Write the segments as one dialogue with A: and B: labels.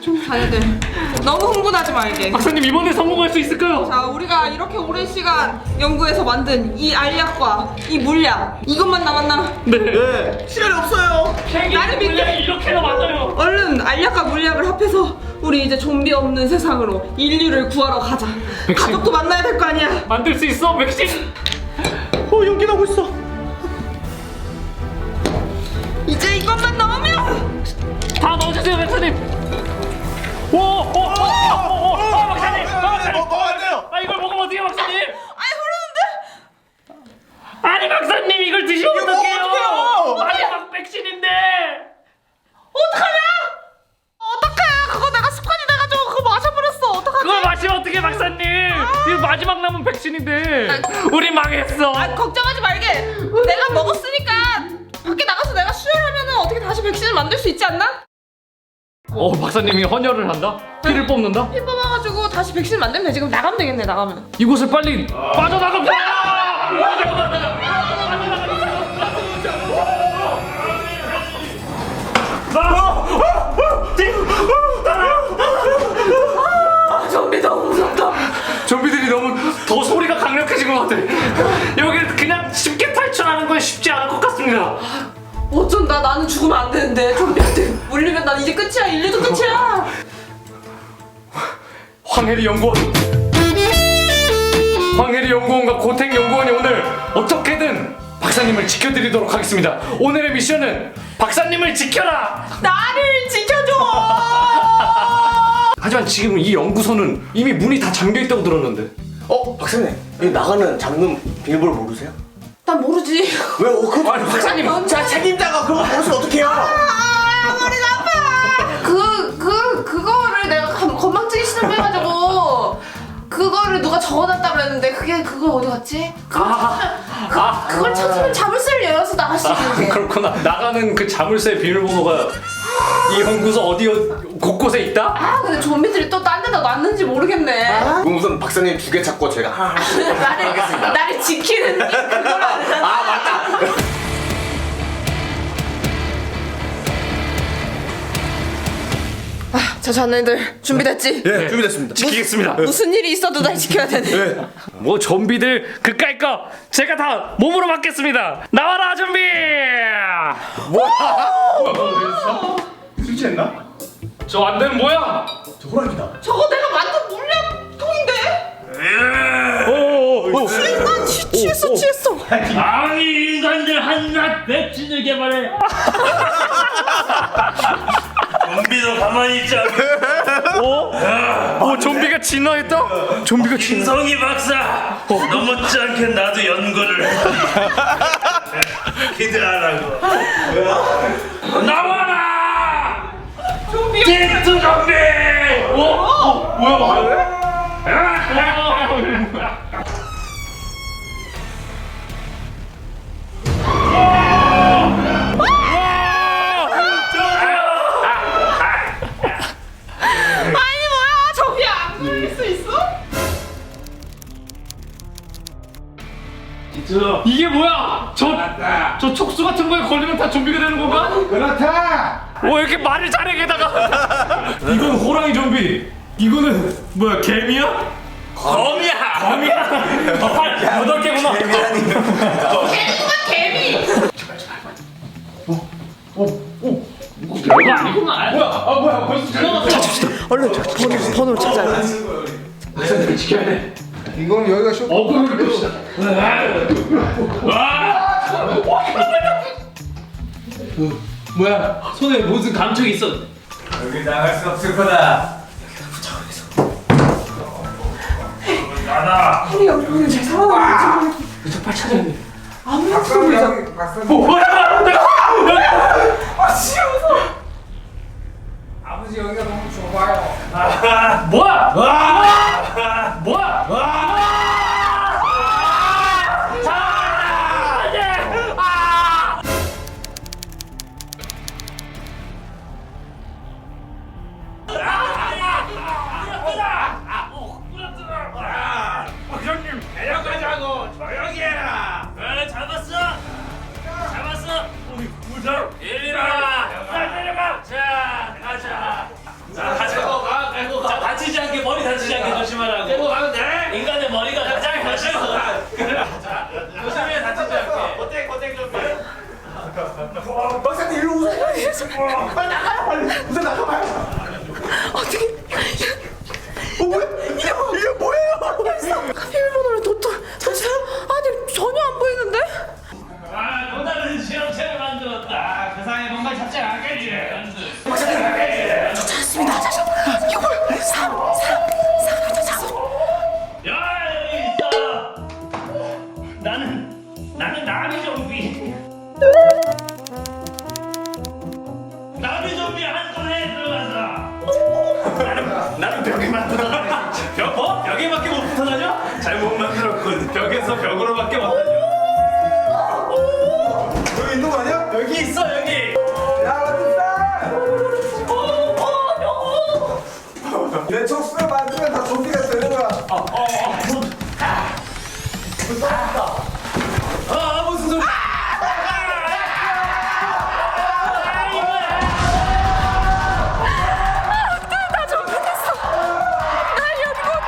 A: 자네들 너무 흥분하지 말게.
B: 박사님 이번에 성공할 수 있을까요?
A: 자, 우리가 이렇게 오랜 시간 연구해서 만든 이 알약과 이 물약 이것만 남았나?
B: 네.
C: 시간이 없어요.
A: 나를 믿게.
B: 물량이 이렇게나 많아요.
A: 얼른 알약과 물약을 합해서 우리 이제 좀비 없는 세상으로 인류를 구하러 가자. 가족도 만나야 될 거 아니야.
B: 만들 수 있어 백신.
C: 연기 나고 있어.
A: 이제 이것만 넣으면
B: 다 넣어주세요 박사님. 오, 박사님, 박사님.
C: 먹어야 돼요.
B: 아 이걸 먹으면 어떡해 박사님?
A: 아이 흐르는데?
B: 아니 박사님 이걸 드시면
C: 이거
B: 어떡해요?
C: 어떡해요?
B: 마지막 백신인데.
A: 어떡하냐? 어떡해? 그거 내가 습관이 돼가지고 그거 마셔버렸어. 어떡하지?
B: 그걸 마시면 어떡해 박사님? 이거 마지막 남은 백신인데. 우리 망했어.
A: 아, 걱정하지 말게. 내가 먹었으니까 밖에 나가서 내가 수혈하면은 어떻게 다시 백신을 만들 수 있지 않나?
B: 박사님이 헌혈을 한다? 피를 뽑는다?
A: 피 뽑아가지고 다시 백신 만들면 되지. 그럼 나가면 되겠네. 나가면.
B: 이곳을 빨리 빠져나가.
A: 좀비 너무 무섭다.
B: 좀비들이 너무 더 소리가 강력해진 것 같아. 여기 그냥 쉽게 탈출하는 건 쉽지 않을 것 같습니다.
A: 어쩐다. 나는 죽으면 안 되는데 좀비한테 물리면 난 이제 끝이야. 인류도 끝이야.
B: 황해리 연구원, 황해리 연구원과 고택 연구원이 오늘 어떻게든 박사님을 지켜드리도록 하겠습니다. 오늘의 미션은 박사님을 지켜라.
A: 나를 지켜줘.
B: 하지만 지금 이 연구소는 이미 문이 다 잠겨 있다고 들었는데.
C: 박사님, 여기 나가는 잠금 비밀번호 모르세요?
A: 난 모르지.
C: 왜? 그거
B: 아니, 박사님.
C: 자, 책임자가 그거 모르시면 어떡해요?
A: 머리 아파. 그거를 내가 건망증이 심해가지고 그거를 누가 적어놨다 그랬는데 그걸 어디 갔지? 그걸 찾으면 자물쇠를 열어서 나갈 수 있는데.
B: 그렇구나. 나가는 그 자물쇠 비밀번호가 이 연구소 어디 곳곳에 있다?
A: 근데 좀비들이 또 딴 데다 놨는지 모르겠네.
C: 그럼 우선 박사님 두 개 찾고 제가
A: 나를 지키는 그거라는.
C: 맞다.
A: 자, 자네들 준비됐지?
C: 예, 준비됐습니다.
B: 지키겠습니다.
A: 무슨 일이 있어도 날 지켜야 되네.
B: 뭐 좀비들 그까이 거 제가 다 몸으로 맡겠습니다. 나와라 좀비!
C: 술 취했나?
B: 저 안 되면 뭐야?
C: 저 호랑이다.
A: 저거 내가 만든 물량통인데? 난 취했어.
D: 아니 인간들 한낱 백신을 개발해 좀비도 가만히 있지 않고
B: 좀비가 진화했다? 좀비가
D: 김성희 박사 너 못지않게 나도 연구를 기대하라고 나와라
A: 좀비.
D: 찐트 좀비
B: 뭐야?
A: 아니 뭐야? 좀비 안 물릴 수 있어?
B: 이게 뭐야? 저 촉수 같은 거에 걸리면 다 좀비가 되는 건가?
C: 그렇다.
B: 이렇게 말을 잘해 게다가 이건 호랑이 좀비. 이거는 뭐야 개미야?
D: 검이야
B: 8개구나.
A: 개미.
B: 별거 아니구만. 뭐야 벌써 지나갔어.
A: 얼른 번호를 찾아야 돼.
B: 박사님을 지켜야 돼.
C: 이건 여기가 쇼.
B: 어그로를 끕시다. 뭐야? 손에 무슨 감촉이 있어?
C: 여기 나갈 수 없을 거다.
D: 나다
A: 우리 연구는 제 상황을
B: 빨리 찾아야 돼.
A: 아무것도 모르잖아.
B: 뭐야?
A: 진짜 무서워.
C: 아버지 여기가 너무 좁아요.
B: 뭐야? 뭐야?
D: 박사님 내려가자고 조용히 해라 잡았어 이리라 내려가 자 가자
C: 빨리 나가요 빨리. 우선 나가봐요.
A: 어떻게
C: 뭐야? 이게 뭐예요?
A: 비밀번호를 도착 아니 전혀 안 보이는데?
D: 아, 또 다른 실험체를 만들었다. 세상에 뭔가 잡지 않겠지. 야, 여기 있어. 나는 나비 좀비. 나비 좀비 한 손에 들어가서. 나는 벽에만 붙어다녀. 벽에밖에 못 붙어다녀? 잘못 만들었군. 벽에서 벽으로밖에 못 다녀.
C: 여기 있는 거 아니야?
D: 여기 있어 여기.
C: 야 어딨어? 내 촉수를 만들면 다 좀비가 되는 거야.
D: 무슨 소리?
A: 나 좀비 됐어. 나 여기 못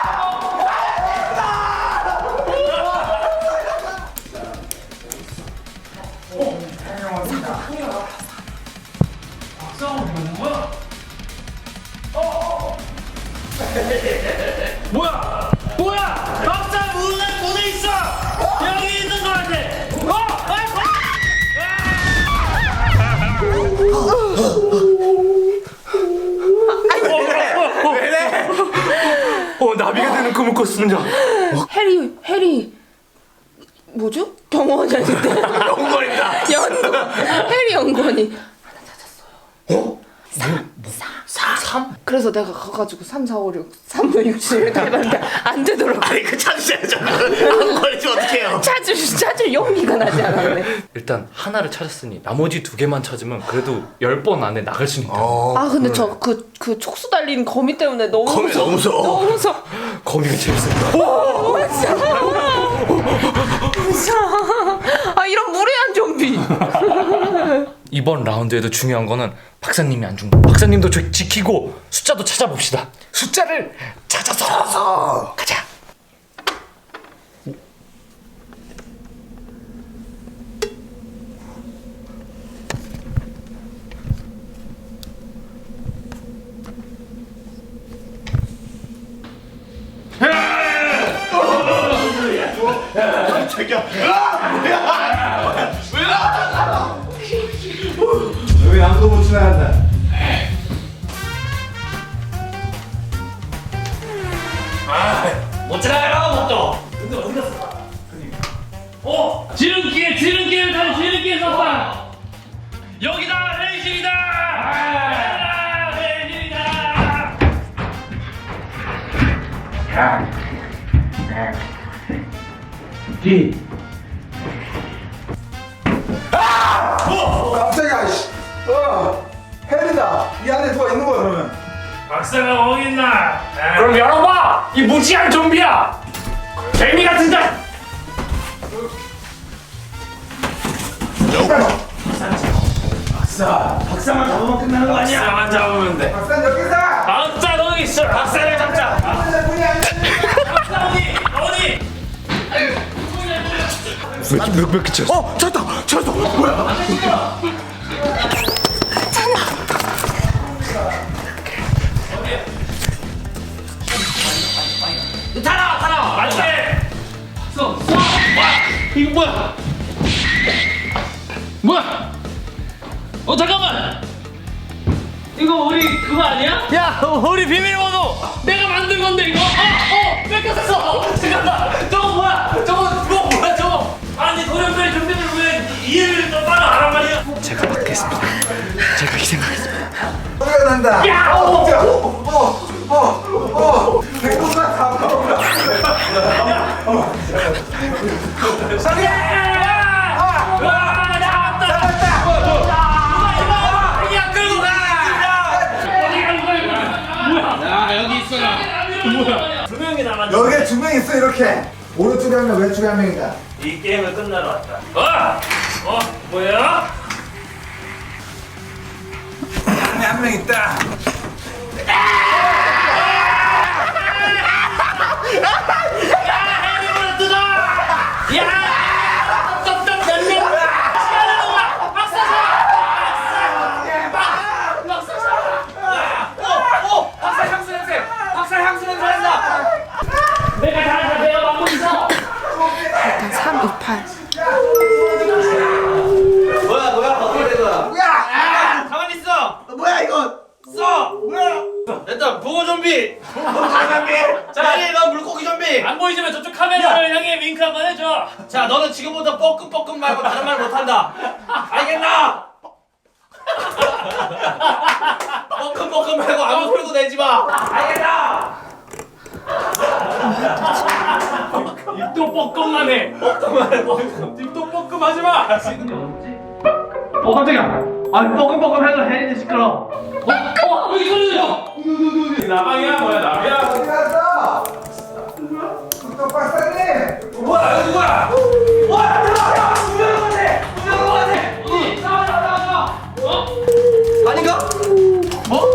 D: 뭐야? 박사 문에 있어. 여기 있는 거 같아.
B: 나비가 되는 꿈을 꿨습니다.
A: 해리 뭐죠? 경호원이 아닌데
D: 연구원입니다.
A: 해리 연구원이
B: 어?
A: 3? 그래서 내가 가가지고 3, 4, 5, 6, 3, 5, 6, 7 이렇게 해봤는데 안 되더라고.
D: 아니 그 찾으셔야죠. 안 걸리면 어떡해요?
A: 찾을 용기가 나지 않았네.
B: 일단 하나를 찾았으니 나머지 2개만 찾으면 그래도 10번 안에 나갈 수 있다.
A: 아 근데 저 그 촉수 달린 거미 때문에 너무
D: 거미 너무 무서워.
A: 너무 무서워.
B: 거미가 재밌습니다.
A: 무서워. 아 이런 무례한 좀비.
B: 이번 라운드에도 중요한 거는 박사님이 안 죽는 거. 박사님도 지키고 숫자도 찾아봅시다. 숫자를 찾아서 가자.
C: 여기 아무도 못 지나간다.
D: 못 지나가요 못도. 근데 어디 갔어? 지름길 다시 지름길 썼다. 여기다 레이실이다. 레이실이다.
C: 깜짝이야. 씨. 해리다. 이 안에 누가 있는 거야 그러면?
D: 박사가 어디 있나?
B: 그럼 열어봐! 이 무지한 좀비야! 개미 같은 자!
D: 박사만 잡으면 끝나는 거 아니야? 박사만 잡으면 돼.
C: 박사 여기 있어.
D: 박사 거기 있어. 박사를 잡자.
C: 박사 문이 안 열려.
D: 박사 어디?
B: 몇 개 쳤어?
C: 찾았다. 뭐야?
D: 타라. 맞지? 이거 뭐야? 잠깐만. 이거 우리 그거 아니야? 야, 우리 비밀번호 내가 만든 건데 이거. 뺏겼어. 잠깐만. 저거 뭐야? 저거. 아니 도련변 좀비들 왜 이해를 좀 따로 하란 말이야?
B: 제가 맡겠습니다. 제가 희생하겠습니다.
C: 소리가 난다.
D: 야!
C: 내 것만 다 먹어. 여기에 2명 있어 이렇게. 오른쪽에 한 명, 왼쪽에 한 명이다.
D: 이 게임을 끝나러 왔다. 뭐야?
C: 한 명 있다.
D: 해리보다 뜯어! 야! 떡떡 몇 명! 시간을 먹어! 박사! 됐다. 보고 좀비. 자, 너 물고기 좀비. 안 보이지만 저쪽 카메라를 향해 윙크 한번 해줘. 자, 너는 지금부터 뻐끔뻐끔 말고 다른 말 못한다. 알겠나? 뻐끔뻐끔 말고 아무 소리도 내지 마. 알겠나? 입도 뻐끔만 해. 뻐끔만 해. 입도 뻐끔하지 마. 깜짝이야. 아니 뻐끔뻐끔 해도 혜린이 시끄러. 여기 소리 들려. 나방이야 뭐야 나비야?
C: 어디 갔어? 또 박사님!
D: 뭐야 여기 누구야? 와 들어와 분명히 같아. 분명히 같아. 어디? 나와. 어? 아닌가? 뭐?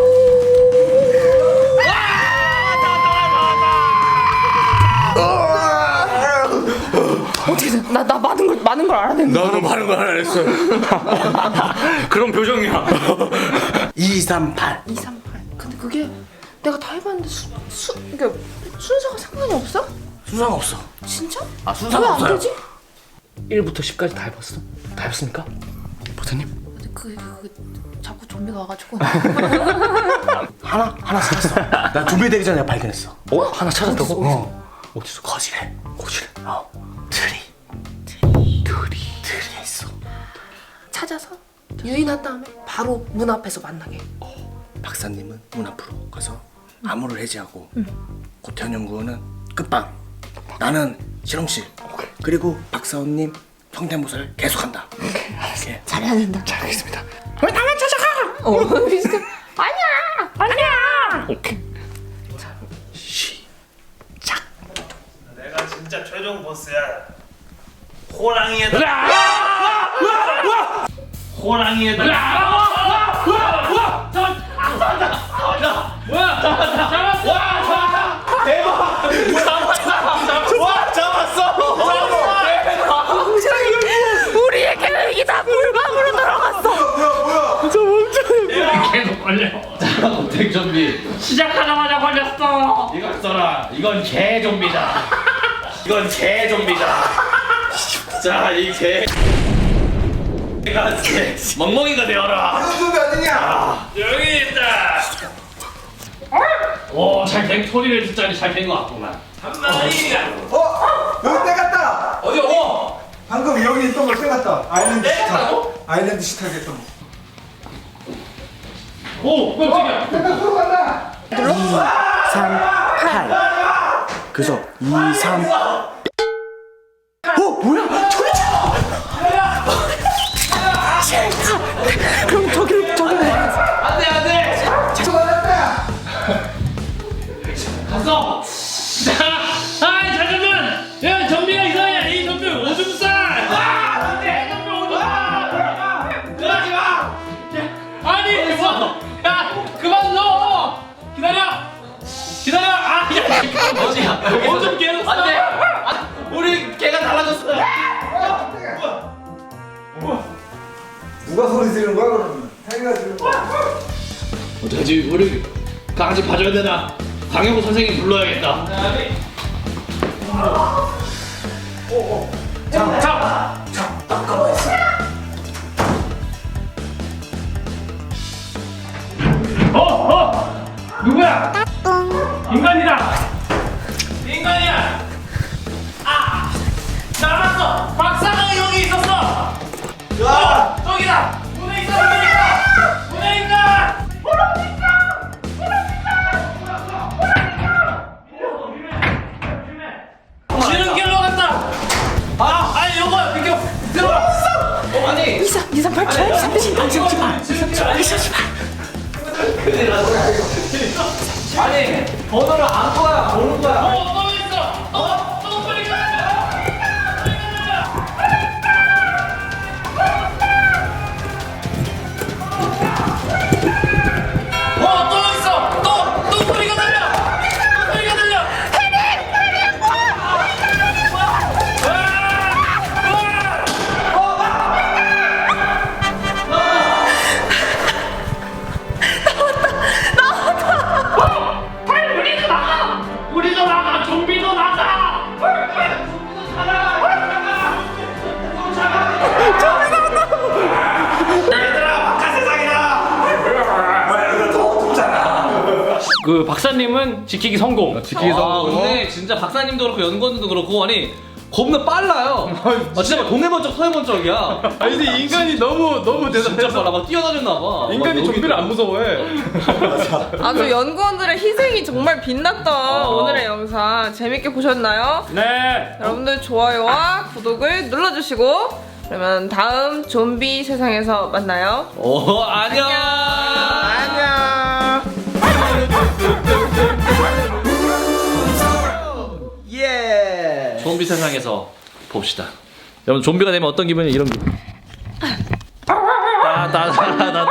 A: 어떻게 돼? 나 많은 걸 알아냈는데.
B: 나도 많은 걸 알았어. 그런 표정이야.
E: 238.
A: 238. 근데 그게 내가 다 해봤는데 그러니까 순서가 상관이 없어?
E: 수상 없어.
A: 진짜?
E: 아, 순서가
A: 왜 안
E: 없어요.
A: 되지?
B: 1부터 10까지 다 해봤어? 다 해봤습니까? 보사님?
A: 자꾸 좀비가 와가지고.
E: 하나 찾았어. 나 준비되기 전에 발견했어.
B: 어? 하나 찾았다고?
E: 어디서? 거실에.
B: 거실에.
E: 트리. 트리에 있어.
A: 찾아서 유인한 다음에 바로 문 앞에서 만나게.
E: 박사님은 문 앞으로 가서 암호를 해제하고 고태현 연구원은 끝방. 나는 실험실. 그리고 박사원님 성대모사를 계속한다. 오케이, 알았어.
A: 잘해야 된다.
B: 알겠습니다.
E: 왜 나만 찾아가?
A: 비슷해. 아니야.
B: 오케이.
E: 시작.
D: 내가 진짜 최종 보스야. 호랑이에다. 호랑이에다.
A: 우리의 계획이 다 물방으로 들어갔어.
D: 계속 걸려. 자, 고택 좀비 시작하자마자 걸렸어. 이걸 써라. 이건 개 좀비다. 이건 개 좀비다. 자, 이 개. 내가 멍멍이가 되어라.
C: 이런 소리 아니냐?
D: 여기 있다. 오, 잘된 소리를 듣자니 잘 된 것 같구만. 한 마리가.
C: 여기 떼갔다!
D: 어디?
C: 방금 여기 있던 걸 떼갔다. 아일랜드 식탁.
D: 떼갔다고?
C: 아일랜드 식탁에 있던 거.
D: 오, 깜짝이야.
C: 떼가 들어간다!
E: 8. 그래서 2, 3. 뭐야?
A: 그럼 저기로
D: 안돼.
C: 들어갔다!
D: 갔어. 자, 잠깐만. 야, 좀비가 이상해. 이 좀비 오줌 안돼. 좀비 오줌 그러지 마. 아니, 야, 그만 넣어. 기다려. 어디야? 오줌 계속 싸. 안돼. 우리 개가 달라졌어.
C: 누가 소리 지르는 거야 그러면? 자기가 지르는 거야?
D: 어떡하지? 우리 강아지 봐줘야 되나? 강영구 선생님 불러야겠다. 자, 누구야? 인간이다. 인간이야. 아, 나왔어. 박사가 여기 있었어. 저기다. 문에 있어. 문에 있다. 지는 길로 갔다. 아니 요거 비켜. 들어와. 아니.
A: 238. 238.
D: 아니 번호를 안 거야 보는 거야. 또 있어. 또 빨리 가. 또 있어. 또 소리가 들려. 소리가 들려. 빨리 나가! 그 박사님은 지키기 성공.
B: 지키기 성공.
D: 근데 진짜 박사님도 그렇고 연구원들도 그렇고 아니 겁나 빨라요. 진짜 막 동해번쩍 서해번쩍이야.
B: 아니 근데 인간이 너무
D: 진짜 빨라. 막 뛰어다녔나 봐.
B: 인간이
D: 막
B: 좀비를 안 무서워해.
A: 아주 연구원들의 희생이 정말 빛났던 오늘의 영상 재밌게 보셨나요?
D: 네.
A: 여러분들 좋아요와 구독을 눌러주시고 그러면 다음 좀비 세상에서 만나요.
D: 안녕.
E: 안녕. 예.
D: 좀비 세상에서 봅시다. 여러분 좀비가 되면 어떤 기분이 이런 기분. 따다다다